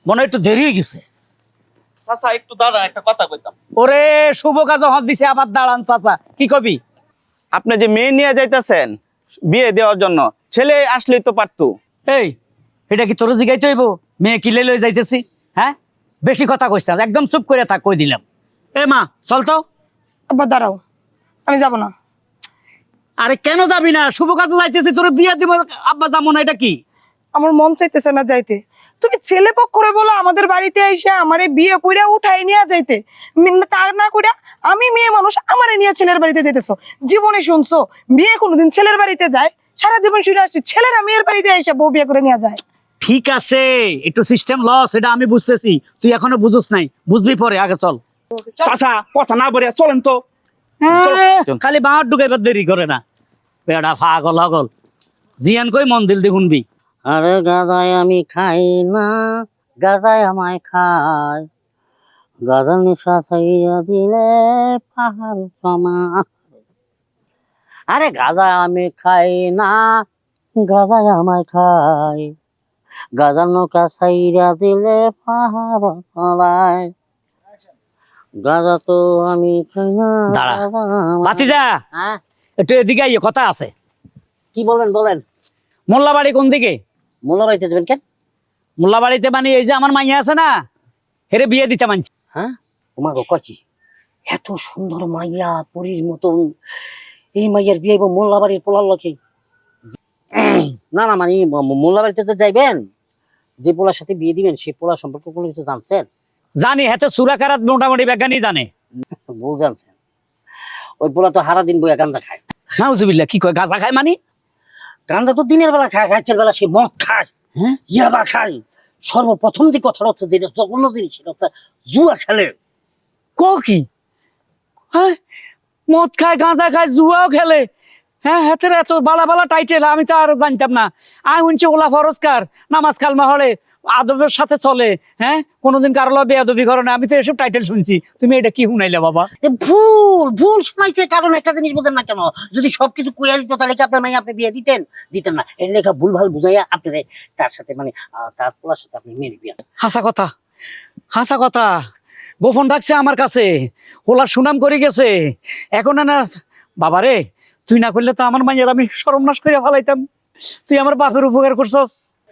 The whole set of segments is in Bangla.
মনে হয় একটু দেরি হয়ে গেছে। চাচা একটু দাঁড়ান, একটা কথা কইতাম। ওরে শুভ কাজে হাত দিছে, আবার দাঁড়ান চাচা, কি কবি? আপনি যে মেয়ে নিয়ে যাইতেছেন বিয়ে দেওয়ার জন্য, ছেলে আসলেই তো পারতো। এই, এটা কি তোর জিগাইতে হইব? মেয়ে কিলে লই যাইতেছি? হ্যাঁ, বেশি কথা কইছ না, একদম চুপ করে থাক, কই দিলাম। এ মা চল তো। আব্বা দাঁড়াও, আমি যাব না। আরে কেন যাবি না? শুভ কাজে যাইতেছি, তোর বিয়ে দিব। আব্বা যাবো না, এটা কি? আমার মন চাইতেছে না যাইতে। তুমি ছেলে পক্ষ করে বলো আমাদের বাড়িতে এসে আমারে বিয়ে কইরা উঠাই নিয়ে যাইতে, তা না কইরা আমি মেয়ে মানুষ আমারে নিয়ে ছেলের বাড়িতে যাইতেছো। জীবনে শুনছো মেয়ে কোনোদিন ছেলের বাড়িতে যায়? সারা জীবন শুনে আসছি ছেলেরা মেয়ের বাড়িতে এসে বউ বিয়ে করে নিয়ে যায়। ঠিক আছে, একটু সিস্টেম লস, এটা আমি বুঝতেছি, তুই এখনো বুঝছ নাই, বুঝবি পরে, আগে চল। চাচা কথা না বলে চলেন তো। খালি বাঁট ঢুকাইবার দেরি করে না, বেড়া পাগল হগল। জিয়ান কই মন দিল দি শুনবি। আরে গাজায় আমি খাই না, গাজায় আমায় খায়, গাজার নিশা ছাইয়া দিলে পাহাড় সমা। আরে গাজায় আমি খাই না, গাজায় আমায় খায়, গাজার নৌকা ছাইয়া দিলে পাহাড় তলায়, গাজা তো আমি খাই না। দাঁড়া গাজা আমায়- ভাতিজা, হ্যাঁ, একটু এদিকে আইয়ে কথা আছে। কি বলেন বলেন। মোল্লাবাড়ি কোন দিকে? মোল্লা বাড়িতে যাবেন কেন? মোল্লাবাড়িতে মানে এই যে আমার মাইয়া আছে না, হেরে বিয়ে দিতে মানছি। হ্যাঁ, তোমার কচি এত সুন্দর মাইয়া পরীর মতন, এই মাইয়ার বিয়ে মোল্লা বাড়ির পোলার লোকে? না না, মানে মোল্লা বাড়িতে যে যাইবেন, যে পোলার সাথে বিয়ে দিবেন সেই পোলা সম্পর্কে কোনো কিছু জানছেন? জানি, হেতে সুরাকারাত মোটামুটি বিজ্ঞানী জানে। ভুল জানছেন। ওই পোলা তো হারা দিন বইয়া গাঞ্জা খায়। নাউজুবিল্লাহ, কি কয় গাঁজা খায় মানে? গাঞ্জা তো দিনের বেলা খায়, রাতের বেলা সে মদ খায়, হ্যাঁ, ইয়াবা খায়। সর্বপ্রথম যে কথাটা হচ্ছে, যেটা অন্য জিনিস, সেটা হচ্ছে জুয়া খেলে। কো কি? হ্যাঁ, মদ খায়, গাঁজা খায়, জুয়াও খেলে? হ্যাঁ, হাতের এত বালা বালা টাইটেল, আমি তো আর জানতাম না। আই শুনছি ওলা ফরস্কার, নামাজ কালমা হলে আদবের সাথে চলে। হ্যাঁ, কোনোদিন কারো বেয়াদবি করে না, আমি তো এসব টাইটেল শুনছি। তুমি এটা কি শুনাইলে বাবা? ভুল ভুল শোনাইছে। কারণ একটা জিনিস বোঝেন না কেন, যদি সবকিছু কুইয়া দিত তাহলে কি আপনার মাইয়া আপনি বিয়ে দিতেন? দিতেন না। এর লেখা ভুল ভাল বুঝাইয়া আপনি তার সাথে, মানে তার পোলার সাথে আপনি মেরে বিয়ে। হাসা কথা, হাসা কথা। গোপন রাখছে আমার কাছে, ওলা সুনাম করে গেছে। এখন না বাবারে, তুই না করলে তো আমার মাইয়ের আমি সর্বনাশ করে ফেলাইতাম। তুই আমার বাপের উপকার করছস।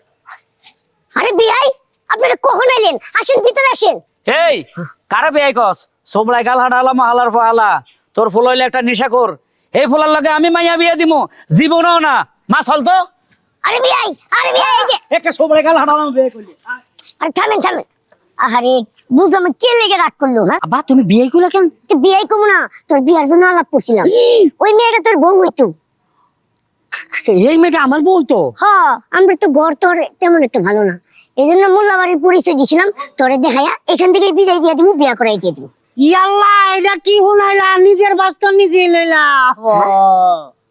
আরে বিয়াই, আপনারা কখন এলেন? আসেন, ভিতরে আসেন। এই কারা বেয়াই কস? সোমলাই গাল হাডালা মহালার ফালা, তোর ফুল হইলে একটা নেশা কর। এই ফুলার লগে আমি মাইয়া বিয়া দিমু? জীবনও না। মা চল তো। আরে বিয়াই, এই যে। একটা সোমলাই গাল হাডালাম বিয়ে করলি। আরে থামেন থামেন। আরে বুঝ আমি কে লেগে রাগ করলো? হ্যাঁ, আব্বা তুমি বিয়ে করলে কেন? তুই বিয়াই কমু না, তোর বিয়ার জন্য আলাপ করছিলাম। ওই মেয়েটা তোর বউ হইতো। এই মেয়েটা আমার বউ তো। হ্যাঁ, আমরা তো ঘর তোর তেমন একটা ভালো না, এই জন্য মোল্লাবাড়ির পরিচয় দিয়েছিলাম। তোরে দেখাইয়া এখান থেকে বিদায় দিয়ে দিব, বিয়া করাই দিয়ে দিব। ইয়াল্লা, এটা কি হুনাইলা? নিজের বাস্তব নিজে লইলা।